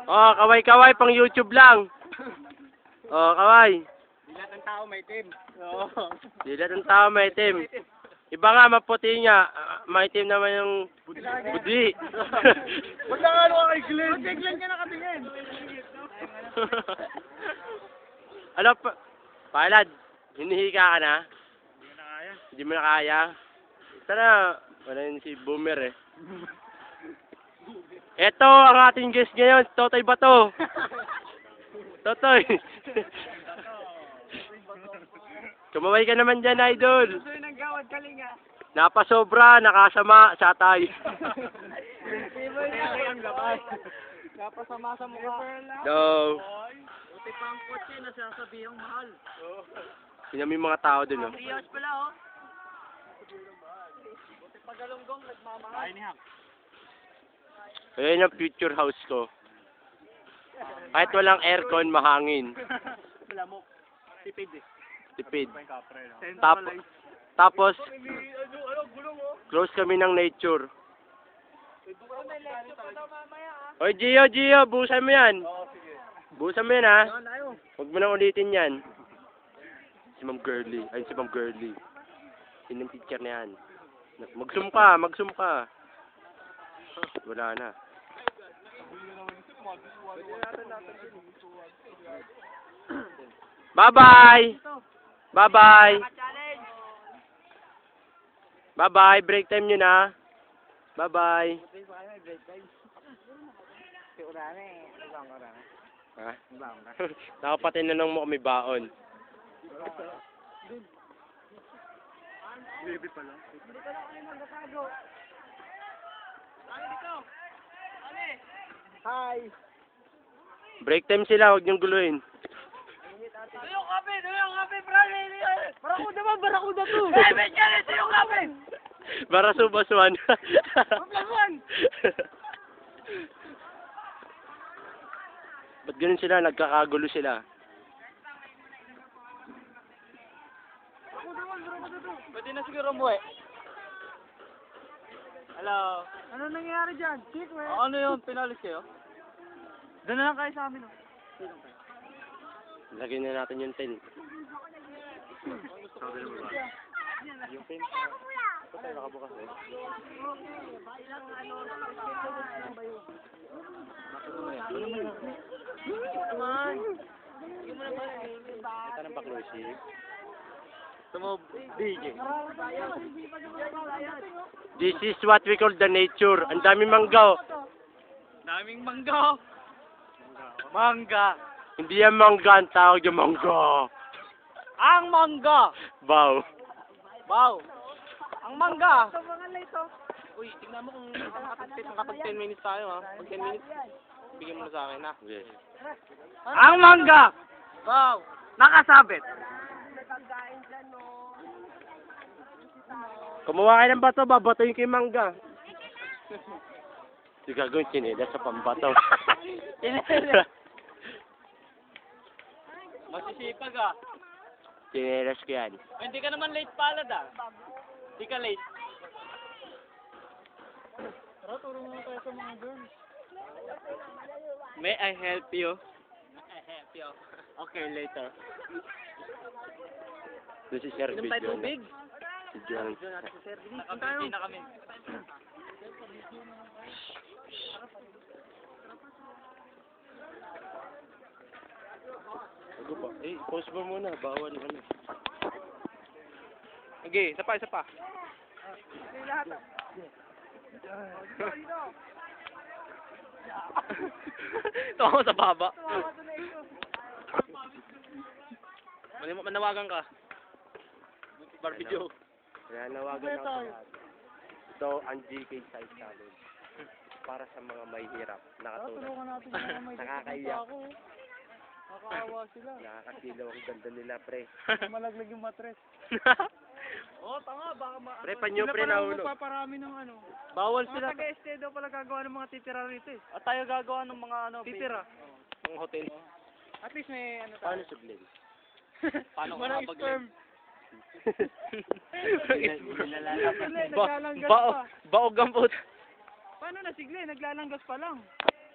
Oh, kaway-kaway pang YouTube lang. Oh, kaway. Lahat ng tao may team. Oo. Dilat ng tao may itim. Iba nga, maputi nga. Maitim naman yung budi. Ba't na ano ka kay Glenn? Ba't kay Glenn ka nakatingin? Ano pa? Palad, hinihika ka na? Hindi na kaya. Hindi mo na kaya? Sana, wala yun si Boomer eh. Eto ang ating guest ngayon, Totoy Bato. Totoy. Kumaway ka naman dyan, idol. Gusto yung gawad kalinga. Napasobra, nakasama, satay. Napasama sa mukha. No. Buti pa ang kotse na sasabihang mahal. Sino yung mga tao dun, no? 3 years pala, oh. Buti pa galunggong nagmamahal. Ay, nihak. Ayan yung future house ko. Kahit walang aircon, mahangin. Wala mo. Tipid eh. Tipid. Kapre, no? Tapos, close kami ng nature. Oy, Gio, busan mo yan. Busan mo yan, ha? Huwag mo na ulitin yan. Si Ma'am Girly. Ayun si Ma'am Girly. Yun yung teacher na yan. Mag-zoom ka. Wala na. Bye-bye! Bye-bye! Bye-bye! Break time nyo na. Bye-bye! Ha? Nakapatinanong mo kami baon. Baby pala. Hi! Break time sila, huwag niyong guluhin. Tuyong kape, brale! Barakuda to! Eh, Benjamin, tuyong kape! Para subaswan. Paglaman! Ba't ganun sila? Nagkakagulo sila. Pwede na siguro mo eh. Hello? Ano nangyayari dyan? Kick, man. Ano yun? Pinalis kayo? Doon na lang kayo sa amin, oh. Lagyan na natin yung tent. Yung tent. Ito tayo nakabukas eh. Ito ng baklusip. Ito mo, DJ. This is what we call the nature. Ang daming mangga. Daming mangga. Mangga. Hindi yan mangga, ang tawag yung mangga. Ang mangga. Wow. Wow. Ang mangga. Uy, tignan mo kung nakapag 10 minutes tayo, ha. Pag 10 minutes, bigyan mo na sa akin, ha. Yes. Ang mangga. Wow. Nakasabit. Kumuha kayo ng bato, babatoyin kayo yung mangga. Hindi gagawin sinila sa pambato. Masisipag, ah. Sinelas ko yan. Hindi ka naman late palad, ah. Hindi ka late. Tara, turo mo tayo sa mga girls. May I help you? I help you. Okay, later. Doon si Sir Inom tayo tubig. Si John. Nakapiti na kami. Ako ba? Pause mo muna. Bawal ano. Okay, isa pa. Tawa sa baba. Manawagan ka. Barbie Joe. Kaya nawagan ako sa lahat. Ito ang GK Size Challenge. Para sa mga may hirap. Nakatulad. Nakakaiyak. Nakakaawa sila. Nakakasilaw ang ganda nila, pre. Malaglag yung matres. Oo, tama. Baka Pre, panyo, pre, nahulog. Sila parami ng ano. Bawal Mga sila. taga-este daw pala gagawa ng mga titira rito eh. At tayo gagawa ng mga ano. Titira. Ang hotel. At least may ano tayo. Paano sublin? Paano ka mapag-sperm? Baog ang puta. Paano na sigle? Naglalanggas pa lang.